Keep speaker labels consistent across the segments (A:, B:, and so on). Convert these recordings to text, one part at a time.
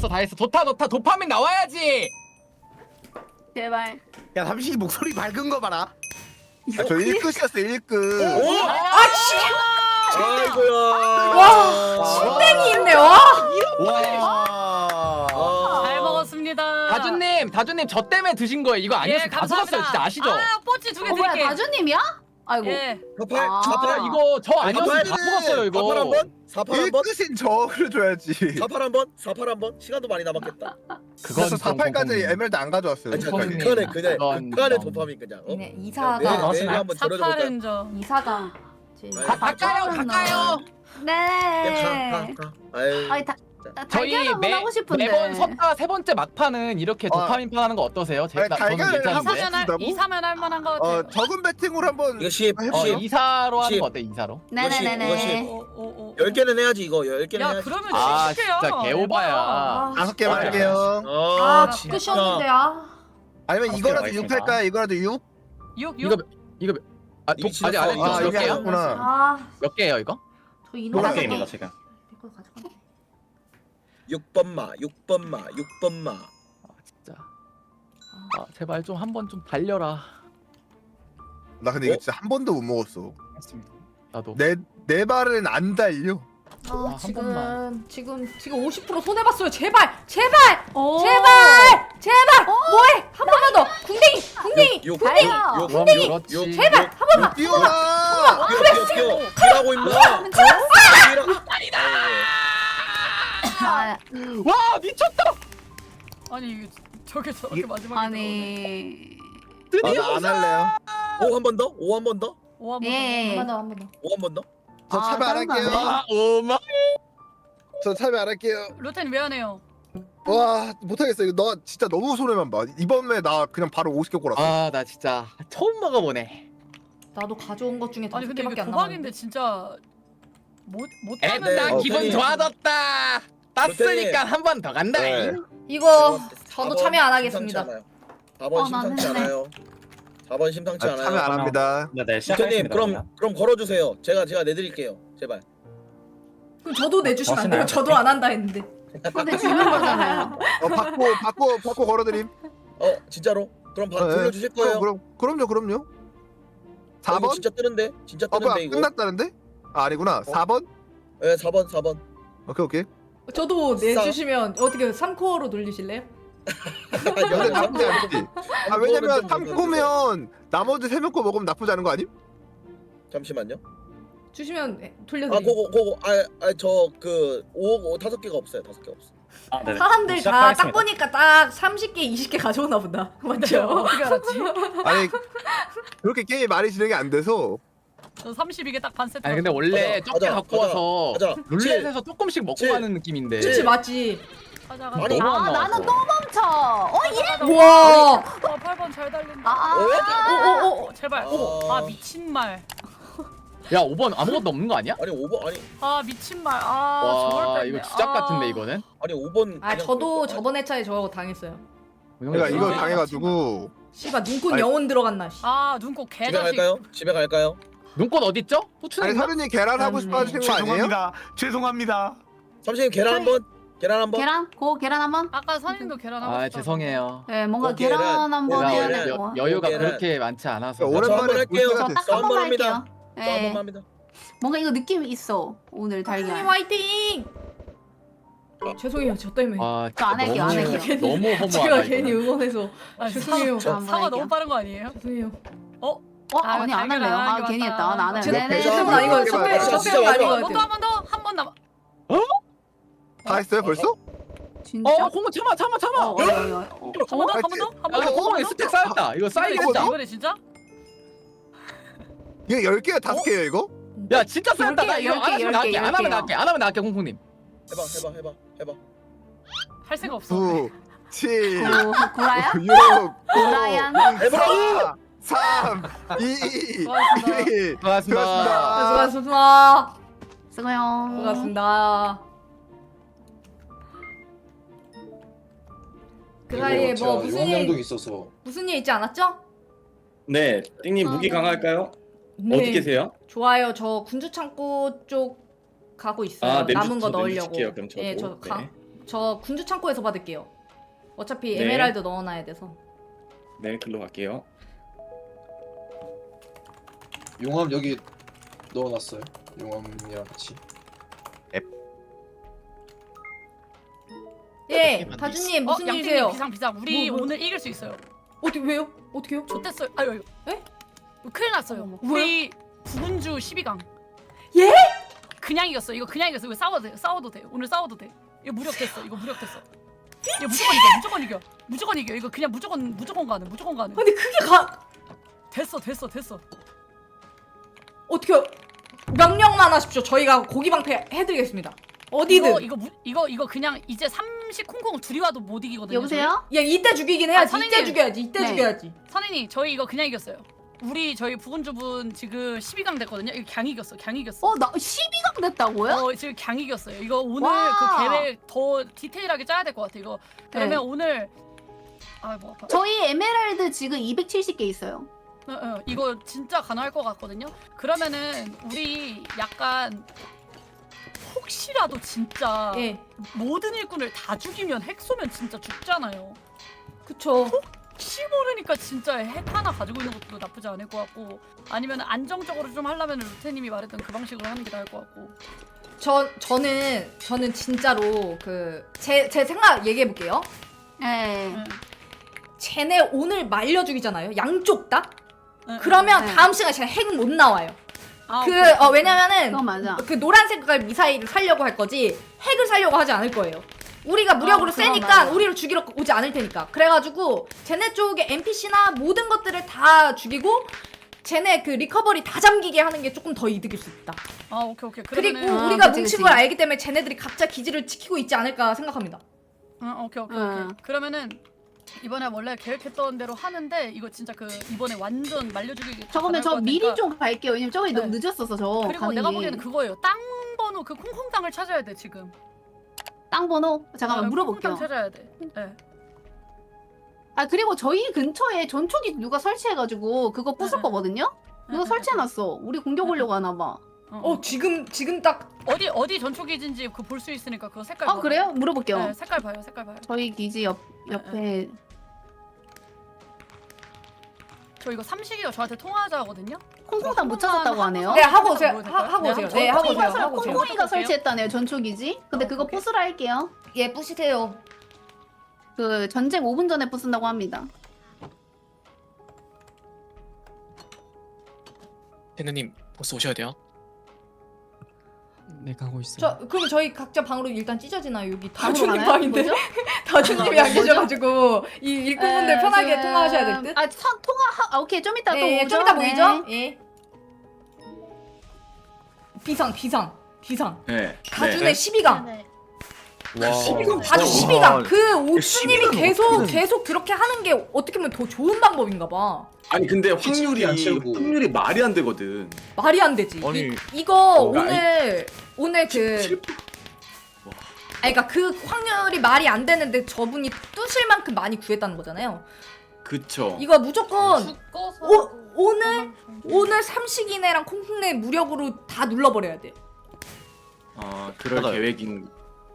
A: 다 했어. 좋다 도파민 나와야지.
B: 제발.
C: 야 삼식이 목소리 밝은 거 봐라. 저 1끝이었어 1끝.
D: 오!
E: 아씨.
D: 아이고야.
E: 와 신땡이 있네 와.
C: 와.
F: 잘 먹었습니다.
A: 다주님 저 때문에 드신 거예요. 이거 아니었으면 다
F: 감사합니다.
A: 쏟았어요. 진짜 아시죠?
F: 아, 뽀찌 2개
B: 뭐야
F: 드릴게.
B: 다주님이야? 아이고.
F: 예.
D: 사팔
B: 아.
D: 사팔
A: 이거 저 아니었으면 다 먹었어요 이거.
D: 사팔 한 번. 사팔 한 번.
C: 1끝인 저를 줘야지.
D: 사팔 한 번. 사팔 한 번. 시간도 많이 남았겠다.
C: 그래서 48까지 에메랄드 안 가져왔어요.
D: 아니
A: 도파민이
D: 극한의 그냥
A: 그건
D: 극한의
A: 좀-
D: 도파민 그냥. 어?
E: 네
D: 내
E: 이사가
D: 내일 한번 들어줘 볼까?
F: 사파른저.
B: 이사가.
A: 가까요.
B: 네.
D: 가. 아유.
B: 아니
A: 저희
B: 달걀 한번 하고 싶은데.
A: 매번 섰다 세 번째 막판은 이렇게 도파민 판 하는 거 어떠세요?
C: 아니, 달걀을
A: 저는
C: 한번
A: 괜찮은데.
C: 준다고?
F: 이사면 할 만한 거 같아요.
C: 적은 배팅으로 한번
D: 이거 10.
C: 해보세요.
A: 2사로 하는
D: 십.
A: 거 어때? 2사로?
B: 네네네네.
D: 10개는 해야지 이거. 10개는
F: 야,
D: 해야지.
F: 그러면
A: 아,
F: 진짜
A: 진짜 개오바야.
E: 아,
C: 5개만 할게요.
D: 아,
E: 끝이었는데 아.
C: 아니면
A: 오케이,
C: 이거라도
A: 알겠습니다.
C: 6 할까요? 이거라도 6?
F: 6.
A: 이거
D: 이미
A: 아직 안
D: 지났어.
A: 했죠?
C: 아
A: 몇
C: 이게
A: 개요?
C: 아니구나.
E: 아,
A: 몇 개예요 이거?
E: 저 이놈
C: 노란
E: 게임이다
G: 지금.
E: 이거 가져가.
D: 6번마. 6번마.
A: 아 진짜. 아 제발 좀 한번 좀 달려라.
C: 나 근데 이거 진짜 한 번도 못 먹었어.
A: 나도.
C: 내 발은 안 달려.
E: 아,
A: 한 번만.
E: 지금 50% 손해 봤어요. 제발.
B: 오.
E: 제발. 뭐해? 한 번만 더. 궁뎅이.
D: 6.
B: 달려.
A: 그렇지.
E: 제발 한 번만.
C: 뛰어라.
D: 뛰어. 뛰라고 임마.
B: 아,
A: 와 미쳤다.
F: 아니 이게 저게 저렇게 마지막에
B: 아니.
C: 안 할래요.
D: 5 한 번 더? 5 한 번 더?
B: 예.
E: 한 번 더.
D: 5 한 번 더?
C: 저 참여 안
B: 다른 거
C: 할게요.
B: 안 해.
A: 아 오마.
C: 저 참여 안 할게요.
F: 루텐 왜 안 해요?
C: 와 못하겠어. 이거 너 진짜 너무 손해만 봐. 이번에 나 그냥 바로 50개 골았어.
A: 아나 진짜 처음 먹어보네.
E: 나도 가져온 것 중에
F: 아니
E: 5
F: 근데 이게
E: 개밖에 안
F: 도박인데
E: 남았는데.
F: 진짜 못
A: 에나
F: 따면
A: 기분
D: 루테님.
A: 좋아졌다. 땄으니까 한 번 더 간다.
C: 네.
E: 이거 저도
D: 4번
E: 참여 안
D: 심상치
E: 하겠습니다.
D: 않아요. 4번 심상치
B: 나는
D: 않아요. 4번 심상치
C: 참여
D: 않아요.
C: 안 합니다.
G: 네,
D: 루테님
G: 시작하겠습니다.
D: 그럼 걸어주세요. 제가 내드릴게요. 제발.
E: 그럼 저도 내주시면 안 돼요?
G: 멋있나요?
E: 저도 안 한다 했는데.
B: 근데 주는 거잖아요.
C: 받고 걸어드림.
D: 진짜로? 그럼
C: 네,
D: 돌려주실 거예요?
C: 그럼요. 4번?
D: 이거 진짜 뜨는데? 진짜
C: 뭐야
D: 뜨는데 이거?
C: 끝났다는데? 아 아니구나. 4번?
D: 네 4번.
C: 오케이.
E: 저도 내주시면 어떻게 3코어로 돌리실래요?
C: 근데 나쁘지 않지. 아 왜냐면 3코면 나머지 3명 거 먹으면 나쁘지 않은 거 아님?
D: 잠시만요.
E: 주시면
D: 아
E: 돌려드릴게요.
D: 그거 저그 5개가 없어요. 5개 없어.
G: 아, 네네.
E: 사람들 다 딱
G: 시작하겠습니다.
E: 보니까 딱 30개, 20개 가져오나 보다. 맞죠?
F: 어떻게 알았지?
C: 아니 그렇게 게임이 많이 진행이 안 돼서
F: 저 32개 딱 반 세트.
A: 아니 근데 원래
D: 가자,
A: 적게
D: 가자,
A: 갖고 와서
D: 가자.
A: 룰렛에서 조금씩 먹고
D: 칠.
A: 가는 느낌인데.
E: 그치 맞지?
F: 가자.
D: 아니,
A: 너무 안
B: 아
A: 나와서.
B: 나는 또 멈춰. 예.
E: 우와.
F: 8번 잘 달린다.
B: 아.
F: 제발.
D: 아.
F: 미친 말.
A: 야 5번 아무것도 없는 거 아니야?
D: 아니 5번
F: 미친 말.
A: 와 이거 주작 같은데 이거는.
D: 아니 5번.
E: 아 저도 저번 회차에 저거 당했어요.
C: 내가 이거
D: 아,
C: 당해가지고
E: 씨발 눈꽃
C: 아니.
E: 영혼 들어갔나 씨.
F: 눈꼭
D: 집에
F: 개자식.
D: 갈까요? 집에 갈까요?
A: 눈꽃 어디 있죠?
C: 아니
A: 후추는
C: 서른이 계란 하고 싶어 하시는 거 아니에요?
G: 죄송합니다.
D: 삼촌님 계란 한번. 계란 한번.
B: 계란 한번.
F: 아까 선임도 계란 하고
A: 아
F: 싶다고.
A: 죄송해요.
B: 네 뭔가
D: 계란.
B: 계란 한번
A: 제가
B: 해야
D: 계란.
B: 될
A: 여,
B: 거.
A: 여유가
D: 계란.
A: 그렇게 많지 않아서.
C: 오랜만에
D: 저 한번 할게요.
C: 불태가
B: 딱
C: 됐어.
B: 한 번만
D: 합니다.
B: 할게요.
D: 저 한번
B: 네.
D: 합니다.
B: 뭔가 이거 느낌이 있어 오늘
E: 선생님
B: 달걀.
E: 화이팅! 죄송해요 저 때문에.
A: 아
B: 저안 할게요, 안
A: 너무
B: 할게요.
A: 너무 허무하다.
E: 제가
A: 이거는.
E: 괜히 응원해서 죄송해요.
B: 저 한번
F: 사과
B: 할게요.
F: 너무 빠른 거 아니에요?
E: 죄송해요.
B: 아니 안
F: 달걀
B: 할래요.
F: 안 하는 게
B: 괜히
F: 맞다.
B: 했다. 나는.
E: 제
B: 네네.
E: 때문 아니고
C: 저
E: 저
D: 진짜
E: 때문 아닌 것
D: 마지막.
E: 같아요.
F: 한번 남아.
C: 다 했어요 벌써?
B: 진짜.
A: 공은 참아.
F: 한 번 더.
A: 야 공은 스택 쌓였다. 이거 쌓이겠다.
F: 이번에 진짜?
C: 이게 10개야 5개예요 이거?
A: 야 진짜 쌓였다. 나
B: 10개,
A: 이거 안 하면
B: 10개,
A: 나갈게. 안 하면
B: 10개요.
A: 나갈게. 안 하면 나갈게 홍콩님.
D: 해봐.
F: 할 생각 없어.
C: 9 7
B: 구라야?
C: 6
B: 구라얀?
C: 4 3 2
F: 수고하셨습니다.
C: 1
A: 고맙습니다.
E: 수고하셨습니다.
B: 수고요.
E: 수고하셨습니다. 그 사이에 뭐 무슨 일 있지 않았죠?
G: 네, 띵님 무기 강할까요? 어디 계세요?
E: 좋아요. 저 군주 창고 쪽 가고 있어요.
G: 아, 네,
E: 남은 거
G: 저
E: 넣으려고.
G: 내주실게요, 그럼 저도.
E: 예, 저
G: 네.
E: 저 군주 창고에서 받을게요. 어차피
G: 네.
E: 에메랄드 넣어놔야 돼서.
G: 네, 글로 갈게요.
H: 용암 여기 넣어놨어요. 용암이랑 같이.
E: 예, 다주님 무슨
F: 양띵님
E: 일이세요?
F: 비상. 우리
E: 뭐?
F: 오늘 이길 수 있어요.
E: 어떻게 왜요? 어떻게요?
F: 좋댔어요. 아유.
E: 에?
F: 큰일 났어요. 우리 부군주 12강.
E: 예?
F: 그냥 이겼어. 이거 그냥 이겼어. 이거 싸워도 돼. 오늘 싸워도 돼. 이거 무력됐어. 이거 무조건 이겨. 무조건 이겨. 이거 그냥 무조건 가는.
E: 아니 그게
F: 됐어.
E: 어떻게요? 명령만 하십시오. 저희가 고기 방패 해드리겠습니다. 어디든.
F: 이거 그냥 이제 30 콩콩 둘이 와도 못 이기거든요.
B: 여보세요?
E: 야 이때 죽이긴 해야지.
F: 선생님.
E: 이때 죽여야지. 이때
B: 네.
E: 죽여야지.
F: 선생님 저희 이거 그냥 이겼어요. 저희 부군주분 지금 12강 됐거든요. 이거 강 이겼어.
B: 나 12강 됐다고요?
F: 지금 강 이겼어요. 이거 오늘
B: 와.
F: 그 계획 더 디테일하게 짜야 될 것 같아. 이거 그러면
B: 네.
F: 오늘 뭐 아파.
B: 저희 에메랄드 지금 270개 있어요.
F: 이거 진짜 가능할 것 같거든요. 그러면은 우리 약간 혹시라도 진짜
E: 예.
F: 모든 일꾼을 다 죽이면 핵 쏘면 진짜 죽잖아요.
E: 그쵸.
F: 혹시 모르니까 진짜 핵 하나 가지고 있는 것도 나쁘지 않을 것 같고 아니면 안정적으로 좀 하려면 루테님이 말했던 그 방식으로 하는 게 나을 것 같고.
E: 저는 진짜로 제 생각 얘기해 볼게요.
B: 네.
E: 쟤네 오늘 말려 죽이잖아요. 양쪽 다.
F: 응,
E: 그러면
B: 네.
E: 다음 시간에 쟤네 핵 못 나와요.
F: 오케이.
E: 왜냐면은
B: 그거 맞아.
E: 그 노란 색깔 미사일을 살려고 할 거지 핵을 살려고 하지 않을 거예요. 우리가 무력으로
B: 그건
E: 세니까
B: 맞아.
E: 우리를 죽이러 오지 않을 테니까. 그래가지고 쟤네 쪽에 NPC나 모든 것들을 다 죽이고 쟤네 그 리커버리 다 잠기게 하는 게 조금 더 이득일 수 있다.
F: 오케이.
E: 그리고
F: 그러면은
E: 우리가
B: 그치,
E: 뭉친
B: 그치.
E: 걸 알기 때문에 쟤네들이 각자 기지를 지키고 있지 않을까 생각합니다.
F: 오케이.
B: 응.
F: 그러면은 이번에 원래 계획했던 대로 하는데 이거 진짜 이번에 완전 말려주기.
B: 저거면 저 미리 좀 갈게요. 왜냐면 저기 너무
F: 네.
B: 늦었어서 저
F: 그리고
B: 가는
F: 내가
B: 게.
F: 보기에는 그거예요. 땅 번호 그 콩콩 땅을 찾아야 돼 지금.
B: 땅 번호? 잠깐만 물어볼게요.
F: 콩콩 땅 찾아야 돼. 네.
B: 그리고 저희 근처에 전초기 누가 설치해가지고 그거 부술
F: 응, 응.
B: 거거든요? 그거
F: 응,
B: 설치해놨어. 우리 공격 오려고 하나봐.
E: 지금 딱
F: 어디 전초기진지 그 볼 수 있으니까 그거 색깔.
B: 아
F: 봐봐요.
B: 그래요? 물어볼게요.
F: 네, 색깔 봐요.
B: 저희 기지 옆에
F: 저 이거 삼식이가 저한테 통화하자 하거든요.
B: 콩콩당 못 찾았다고 하네요.
E: 네 하고 오세요.
F: 보여도 될까요?
E: 하고 오세요.
F: 네,
E: 네 하고 오세요.
B: 콩콩이가
E: 하고 오세요.
B: 콩콩이가 설치했다네요 전초기지. 근데 그거
F: 오케이.
B: 부수라 할게요.
E: 예 부시세요.
B: 그 전쟁 5분 전에 부순다고 합니다.
I: 대누님 벌써 오셔야 돼요.
A: 네 가고 있어요.
E: 그럼 저희 각자 방으로 일단 찢어지나요? 여기
B: 방으로
E: 다주님
B: 가나요?
E: 방인데
B: 뭐죠?
E: 다주님이 안 계셔가지고 이 일꾼분들 편하게 통화하셔야 될 듯.
B: 오케이 좀 이따 또
E: 네,
B: 오죠.
E: 좀 이따
B: 네.
E: 보이죠? 예. 비상.
G: 네.
E: 다준의 12강.
C: 와.
E: 다주 12강. 그 옥수님이
C: 12강
E: 계속 그렇게 하는 게 어떻게 보면 더 좋은 방법인가 봐.
G: 아니 근데
H: 확률이 안 채우고.
G: 확률이 말이 안 되거든.
E: 말이 안 되지.
C: 아니.
E: 이거
G: 뭔가
E: 오늘 그 그러니까 그 확률이 말이 안 되는데 저분이 뚜실 만큼 많이 구했다는 거잖아요.
G: 그쵸.
E: 이거 무조건
F: 죽어서.
E: 오늘 삼식이네랑 콩콩네 무력으로 다 눌러버려야 돼.
G: 그럴
C: 맞아요.
G: 계획이구나.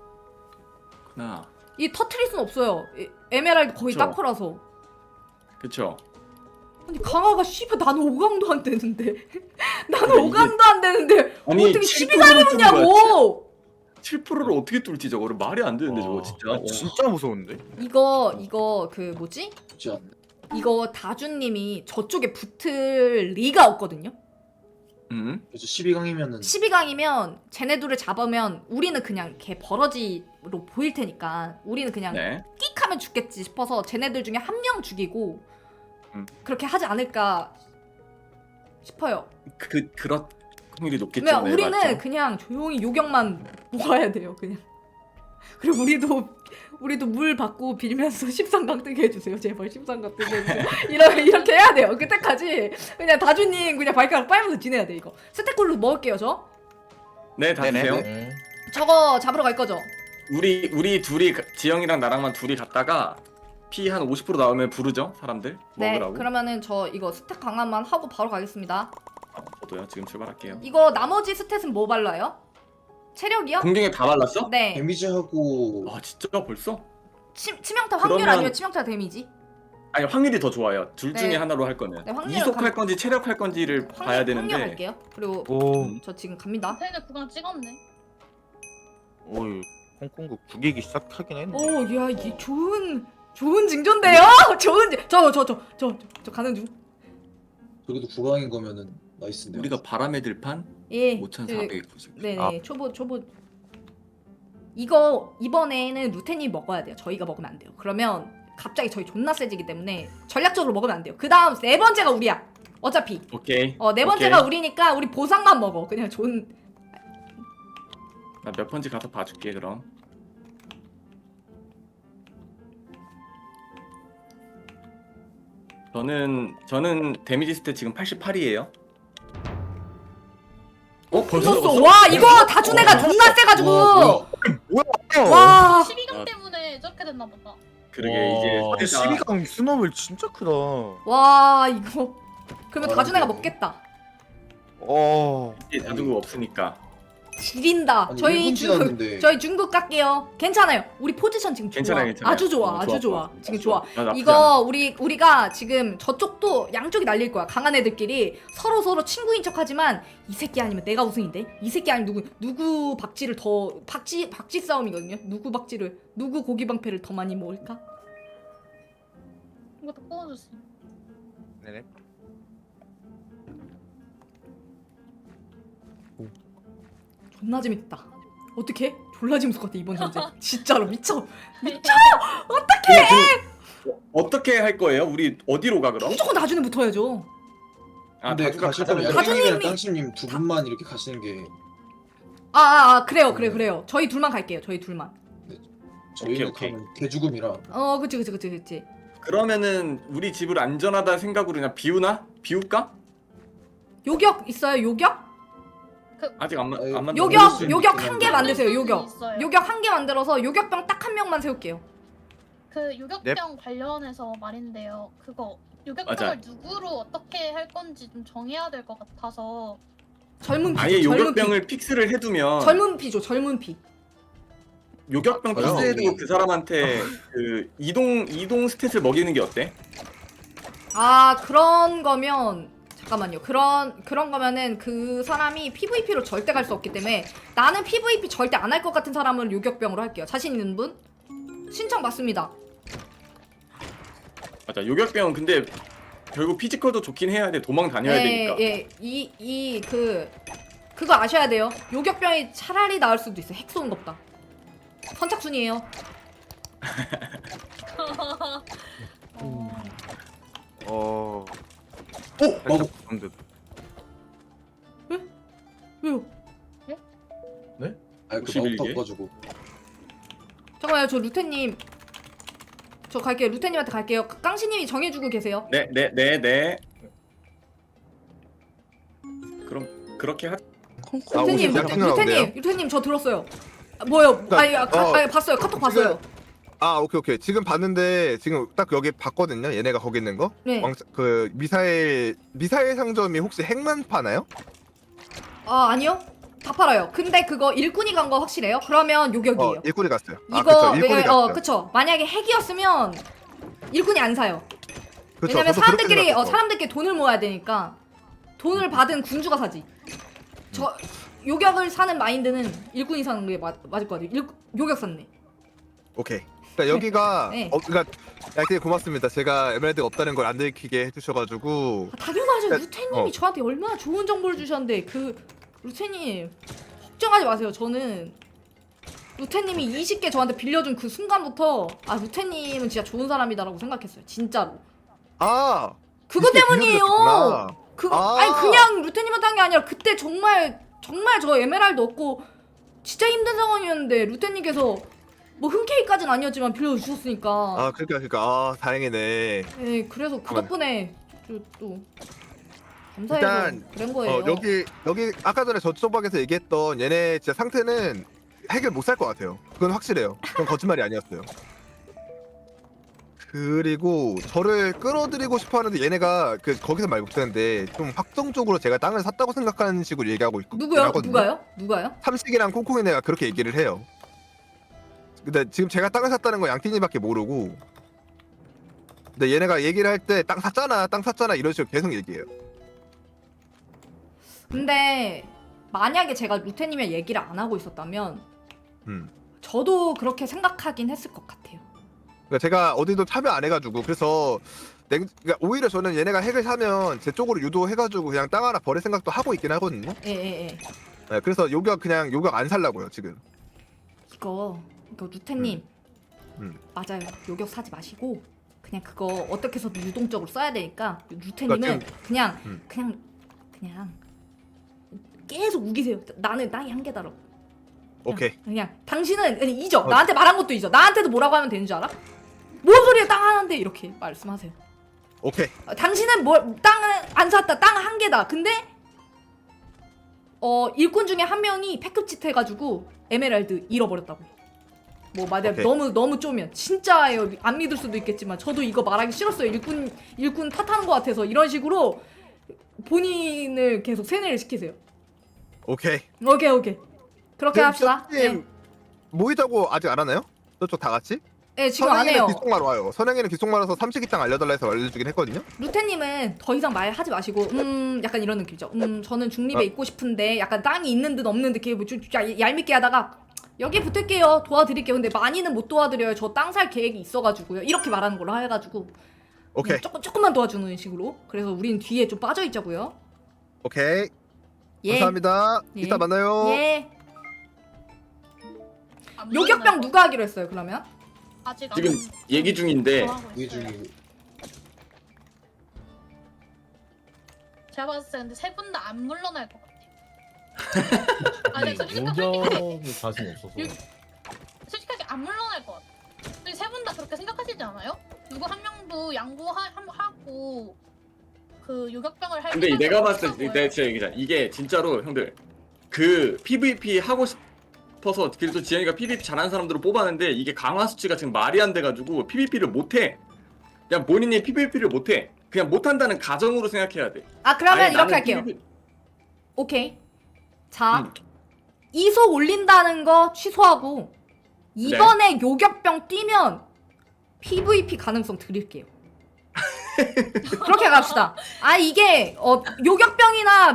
E: 이 터트릴 순 없어요. 에메랄드 거의
G: 그쵸.
E: 딱커라서.
G: 그쵸.
E: 아니 강아가 씨발 나는 5강도 안 되는데 나는
G: 그래, 이게-
E: 5강도 안 되는데
G: 아니,
E: 어떻게
G: 7% 를
E: 12강이었냐고.
G: 7%를 어떻게 뚫지 저거를 말이 안 되는데 저거 진짜.
C: 진짜 무서운데?
E: 이거 그 뭐지?
H: 쉽지 않네.
E: 이거 다주님이 저쪽에 붙을 리가 없거든요.
H: 그래서 12강이면은
E: 12강이면 쟤네들을 잡으면 우리는 그냥 걔 버러지로 보일 테니까 우리는 그냥
G: 네.
E: 끽 하면 죽겠지 싶어서 쟤네들 중에 한 명 죽이고 그렇게 하지 않을까 싶어요.
G: 그런 확률이 높겠죠.
E: 그러면
G: 네,
E: 우리는
G: 맞죠.
E: 그냥 조용히 요격만 모아야 돼요. 그냥. 그리고 우리도 물 받고 빌면서 13강 뜨게 해주세요. 제발 13강 뜨게 해주세요. 이렇게 해야 돼요. 그때까지 그냥 다주님 그냥 발가락 빨면서 지내야 돼 이거. 스택골로 먹을게요 저.
G: 네, 다
C: 네네.
G: 드세요.
E: 저거 잡으러 갈 거죠?
G: 우리 둘이 지영이랑 나랑만 둘이 갔다가 피 한 50% 나오면 부르죠 사람들
E: 네.
G: 먹으라고.
E: 그러면은 저 이거 스택 강화만 하고 바로 가겠습니다.
G: 저도요 지금 출발할게요.
E: 이거 나머지 스탯은 뭐 발라요? 체력이요?
G: 공중에 다 발랐어?
E: 네.
H: 데미지하고
G: 와 진짜 벌써?
E: 치명타 확률
G: 그러면-
E: 아니면 치명타 데미지?
G: 아니 확률이 더 좋아요. 둘 중에
E: 네.
G: 하나로 할 거면
E: 네, 확률은
G: 이속할 건지 체력할 건지를 봐야
E: 확률
G: 되는데
E: 할게요. 그리고
C: 오,
E: 저 지금 갑니다.
F: 쟤네 구강 찍었네.
C: 오이 콩콩국 구기기 시작하긴 했네.
E: 오, 야, 이게 좋은 징조인데요? 좋은 저 가는 중.
H: 저기도 9강인 거면은 나이스인데요.
G: 우리가 바람의 들판
E: 예.
G: 5,490.
E: 네네.
C: 아.
E: 초보. 이거 이번에는 루테님이 먹어야 돼요. 저희가 먹으면 안 돼요. 그러면 갑자기 저희 존나 세지기 때문에 전략적으로 먹으면 안 돼요. 그 다음 네 번째가 우리야. 어차피.
G: 오케이.
E: 네 번째가 우리니까 우리 보상만 먹어. 그냥
G: 나 몇 번째 가서 봐줄게 그럼. 저는 데미지 스탯 지금 88이에요.
E: 썼어. 와, 이거 다준 애가 존나 세가지고.
H: 와,
E: 와.
F: 12강 때문에 저렇게 됐나 보다.
G: 그러게 이제 스탯
C: 12강 스노블 진짜 크다.
E: 와, 이거. 그러면 다준 애가 먹겠다.
G: 자두가 없으니까.
E: 지린다.
H: 아니,
E: 저희
H: 일본
E: 중국
H: 지났는데.
E: 저희 중국 갈게요. 괜찮아요. 우리 포지션 지금 좋아.
G: 괜찮아요.
E: 아주 좋아.
G: 어,
E: 아주 좋아. 지금 좋아.
G: 나 나쁘지 않아.
E: 이거 우리가 지금 저쪽도 양쪽이 날릴 거야. 강한 애들끼리 서로 친구인 척하지만 이 새끼 아니면 내가 우승인데. 이 새끼 아니면 누구 박쥐를 더 박쥐 싸움이거든요. 누구 고기 방패를 더 많이 먹을까?
F: 이것도 뽑아줬어.
C: 네네.
E: 존나 재밌다. 어떻게? 졸라 재밌을 것 같아 이번 전쟁. 진짜로 미쳐.
G: 어떻게 할 거예요? 우리 어디로 가 그럼?
E: 무조건 다준에 붙어야죠.
G: 아
H: 근데
G: 다주가
H: 가실 거면
G: 가자면
E: 다준님이-
H: 양님이랑 땅심님 두 분만 이렇게 가시는 게
E: 그래요. 저희 둘만 갈게요. 저희 둘만.
H: 저희는
G: 오케이.
H: 가면 개죽음이라.
E: 그치.
G: 그러면은 우리 집을 안전하다 생각으로 그냥 비울까?
E: 요격 있어요? 요격?
G: 아직 안
H: 아유,
G: 만든.
E: 요격 한 개 만드세요.
F: 있어요.
E: 요격 한 개 만들어서 요격병 딱 한 명만 세울게요.
F: 그 유격병 관련해서 말인데요. 그거 유격병을
G: 맞아.
F: 누구로 어떻게 할 건지 좀 정해야 될 것 같아서.
E: 젊은 피.
G: 아예 요격병을 픽스를 해두면
E: 젊은 피죠. 젊은 피.
G: 요격병
C: 저요?
G: 픽스해두고 그 사람한테 그 이동 스탯을 먹이는 게 어때?
E: 그런 거면 잠깐만요. 그런 거면은 그 사람이 PVP로 절대 갈 수 없기 때문에 나는 PVP 절대 안 할 것 같은 사람을 요격병으로 할게요. 자신 있는 분? 신청 받습니다.
G: 맞아. 요격병은 근데 결국 피지컬도 좋긴 해야 돼. 도망 다녀야 되니까.
E: 예. 그거 아셔야 돼요. 요격병이 차라리 나을 수도 있어. 핵 쏘는 것보다. 선착순이에요.
H: 맞아.
E: 왜요?
H: 아, 그
G: 51 개?
H: 마법 가지고.
E: 잠깐만요. 저 루테님. 저 갈게요. 루테님한테 갈게요. 깡시님이 정해주고 계세요.
G: 네. 그럼 그렇게 하.
E: 루테님,
C: 오십 장
E: 루테님 저 들었어요. 뭐요? 봤어요. 카톡 봤어요.
C: 오케이. 지금 봤는데 지금 딱 여기 봤거든요. 얘네가 거기 있는 거.
E: 네.
C: 그 미사일 상점이 혹시 핵만 파나요?
E: 아니요. 다 팔아요. 근데 그거 일꾼이 간 거 확실해요? 그러면 요격이에요.
C: 일꾼이 갔어요.
E: 이거
C: 일꾼이 갔어요.
E: 그쵸. 만약에 핵이었으면 일꾼이 안 사요.
C: 그쵸,
E: 왜냐면
C: 저도 그렇게 생각했어.
E: 사람들끼리 돈을 모아야 되니까 돈을 받은 군주가 사지. 저 요격을 사는 마인드는 일꾼이 사는 게 맞을 것 같아요. 요격 샀네.
C: 오케이. 그러니까 여기가
E: 네.
C: 그러니까 되게 고맙습니다. 제가 에메랄드가 없다는 걸 안 들키게 해주셔가지고
E: 당연하죠.
C: 네,
E: 루테님이 저한테 얼마나 좋은 정보를 주셨는데 루테님 걱정하지 마세요. 저는 루테님이 20개 저한테 빌려준 그 순간부터 루테님은 진짜 좋은 사람이다라고 생각했어요. 진짜로. 그거
C: 20개
E: 때문이에요.
C: 빌려주셨구나.
E: 아니 그냥 루테님한테 한 게 아니라 그때 정말 저 에메랄드 얻고 진짜 힘든 상황이었는데 루테님께서 뭐 흔쾌히까지는 아니었지만 빌려주셨으니까.
C: 그러니까 다행이네.
E: 네, 그래서 그
C: 잠깐만.
E: 덕분에 또 감사해서
C: 일단
E: 그런 거예요.
C: 여기 아까 전에 저쪽방에서 얘기했던 얘네 진짜 상태는 핵을 못 살 것 같아요. 그건 확실해요. 그건 거짓말이 아니었어요. 그리고 저를 끌어들이고 싶어하는데 얘네가 그 거기서 말 못하는데 좀 확정적으로 제가 땅을 샀다고 생각하는 식으로 얘기하고 있고
E: 누구요? 누가요?
C: 삼식이랑 콩콩이네가 그렇게 얘기를 해요. 근데 지금 제가 땅을 샀다는 거 양띵이밖에 모르고. 근데 얘네가 얘기를 할 때 땅 샀잖아 이런 식으로 계속 얘기해요.
E: 근데 만약에 제가 루테님이랑 얘기를 안 하고 있었다면 저도 그렇게 생각하긴 했을 것 같아요.
C: 그러니까 제가 어디도 참여 안 해가지고 그래서 그러니까 오히려 저는 얘네가 핵을 사면 제 쪽으로 유도해가지고 그냥 땅 하나 버릴 생각도 하고 있긴 하거든요.
E: 예.
C: 네, 그래서 요격 안 살라고요 지금.
E: 이거 루테님 맞아요. 요격 사지 마시고 그냥 그거 어떻게 해서든 유동적으로 써야 되니까 루테님은
C: 그러니까
E: 그냥 계속 우기세요. 나는 땅이 한 개다라고.
C: 오케이.
E: 그냥 당신은 그냥 잊어. 나한테 말한 것도 잊어. 나한테도 뭐라고 하면 되는 줄 알아? 뭔 소리야 땅 하나인데 이렇게 말씀하세요.
C: 오케이.
E: 당신은 땅을 안 샀다. 땅 한 개다. 근데 일꾼 중에 한 명이 패급짓 해가지고 에메랄드 잃어버렸다고. 뭐 맞아요.
C: 오케이.
E: 너무 쪼면 진짜예요. 안 믿을 수도 있겠지만 저도 이거 말하기 싫었어요. 일꾼 탓하는 것 같아서 이런 식으로 본인을 계속 세뇌를 시키세요.
C: 오케이.
E: 그렇게 합시다.
C: 님 모이자고 아직 안 하나요? 저쪽 다 같이?
E: 네, 지금 안 해요.
C: 귓속말 와요. 선행이는 귓속말 와서 삼식이 땅 알려달라 해서 알려주긴 했거든요.
E: 루테님은 더 이상 말하지 마시고 약간 이런 느낌이죠. 저는 중립에 있고 싶은데 약간 땅이 있는 듯 없는 듯 이렇게 좀 얄밉게 하다가 여기 붙을게요. 도와드릴게요. 근데 많이는 못 도와드려요. 저 땅 살 계획이 있어가지고요. 이렇게 말하는 걸로 해가지고
C: 오케이.
E: 조금만 도와주는 식으로. 그래서 우린 뒤에 좀 빠져있자고요.
C: 오케이.
E: 예.
C: 감사합니다.
E: 예.
C: 이따 만나요.
E: 예. 요격병 누가 하기로 했어요 그러면?
F: 아직
G: 지금 얘기 중인데
H: 이게 중이고.
J: 제가 봤을 때 근데 세 분 다 안 물러날 것 같아요. 아니
K: 요격이 자신 없어서.
J: 솔직하게 안 물러날 것 같아요. 근데 세 분 다 그렇게 생각하시지 않아요? 누구 한 명도 양보하고 그 요격병을 할.
G: 근데 내가 봤을 때 내가 진짜 얘기자 이게 진짜로 형들 그 PVP 하고 싶어서 그래도 지영이가 PVP 잘하는 사람들을 뽑았는데 이게 강화 수치가 지금 말이 안 돼가지고 PVP를 못해. 그냥 본인이 PVP를 못해. 그냥 못한다는 가정으로 생각해야 돼.
E: 아 그러면
G: 아니,
E: 이렇게
G: 나는
E: 할게요.
G: PVP
E: 오케이. 자 이속 올린다는 거 취소하고 이번에 요격병 뛰면 PVP 가능성 드릴게요. 그렇게 갑시다. 아 이게 요격병이나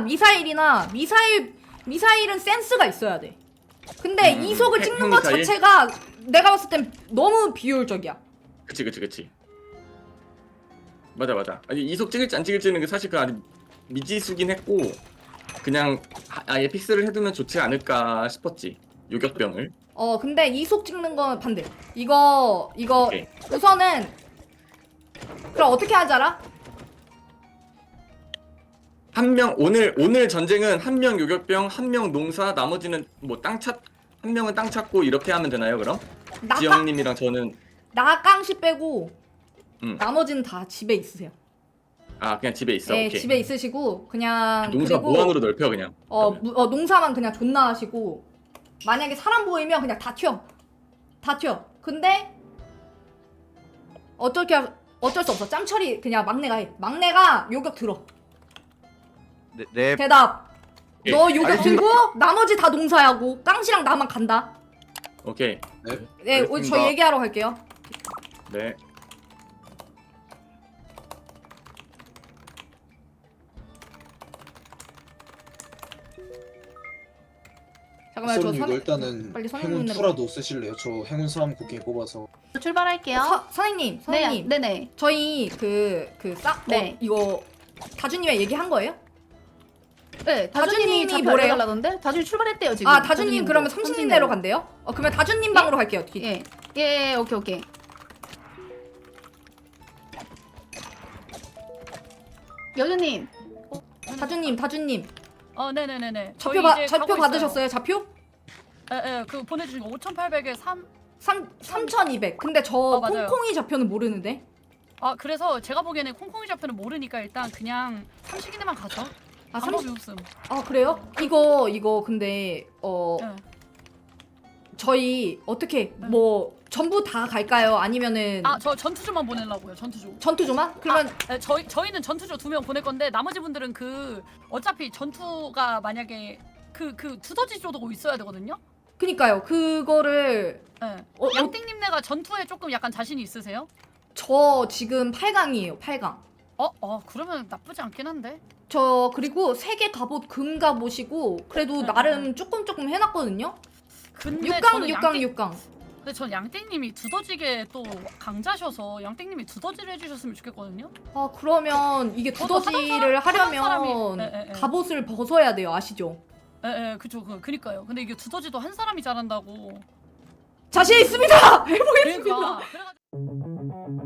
E: 미사일은 센스가 있어야 돼. 근데 이속을 찍는 것
G: 미사일?
E: 자체가 내가 봤을 땐 너무 비효율적이야.
G: 그치. 맞아. 아니 이속 찍을지 안 찍을지는 사실 그 아직 미지수긴 했고 그냥 아예 픽스를 해두면 좋지 않을까 싶었지 요격병을.
E: 근데 이속 찍는 건 반대. 이거
G: 오케이.
E: 우선은 그럼 어떻게 하지 알아?
G: 한 명 오늘 전쟁은 한 명 요격병, 한 명 농사, 나머지는 뭐 한 명은 땅 찾고 이렇게 하면 되나요 그럼? 지영님이랑 저는
E: 나 깡시 빼고
G: 나머지는
E: 다 집에 있으세요.
G: 아 그냥 집에 있어.
E: 네,
G: 오케이.
E: 집에 있으시고 그냥
G: 농사
E: 그리고
G: 무한으로 넓혀 그냥.
E: 농사만 그냥 존나 하시고 만약에 사람 보이면 그냥 다 튀어. 근데 어쩔 수 없어. 짬처리 그냥 막내가 해. 막내가 요격 들어.
C: 네.
E: 대답.
G: 예.
E: 너 요격 들고 나머지 다 농사하고 깡시랑 나만 간다.
G: 오케이.
E: 네,
C: 알겠습니다.
E: 저 얘기하러 갈게요.
G: 네.
E: 잠깐만요. 저
H: 이거 일단은
E: 빨리
H: 행운
E: 선생님으로.
H: 투라도 쓰실래요? 저 행운 사람 곡괭이 뽑아서.
B: 출발할게요.
E: 선생님.
B: 네네.
E: 저희
B: 네.
E: 이거 다주님이랑 얘기한 거예요?
B: 네,
E: 다주님이
B: 다주님이
E: 뭐래요?
B: 뭐래달라던데? 다주님 출발했대요 지금.
E: 아 다주님 그러면
B: 삼신대로
E: 30님대로 간대요? 그러면 다주님 방으로 갈게요.
B: 예, 오케이. 여주님.
E: 다주님.
F: 네네네네.
E: 좌표 받으셨어요? 좌표?
F: 예, 그 보내주신 거 5,800에
E: 3,200. 근데 저
F: 맞아요.
E: 콩콩이 좌표는 모르는데.
F: 그래서 제가 보기에는 콩콩이 좌표는 모르니까 일단 그냥 삼식이네만 가죠. 방법이 없음.
E: 그래요? 이거 근데
F: 네.
E: 저희 어떻게 뭐 전부 다 갈까요? 아니면은
F: 저 전투조만 보내려고요. 전투조.
E: 전투조만? 그러면
F: 네, 저희는 전투조 2명 보낼 건데 나머지 분들은 그 어차피 전투가 만약에 그 두더지조도 있어야 되거든요.
E: 그니까요. 그거를
F: 네.
E: 어,
F: 양띵님네가 전투에 조금 약간 자신이 있으세요?
E: 저 지금 8강이에요. 8강.
F: 그러면 나쁘지 않긴 한데.
E: 저 그리고 3개 갑옷 금 갑옷이고 그래도
F: 네,
E: 나름 조금 해놨거든요.
F: 근데
E: 6강.
F: 근데 전 양띵님이 두더지게 또 강자셔서 양띵님이 두더지를 해주셨으면 좋겠거든요.
E: 아 그러면 이게
F: 저도
E: 두더지를
F: 하던
E: 하려면
F: 사람이-
E: 갑옷을 벗어야 돼요. 아시죠?
F: 그쵸. 그니까요. 근데 이게 두더지도 한 사람이 잘한다고.
E: 자신 있습니다. 해보겠습니다.
F: 그러니까. 그래가지고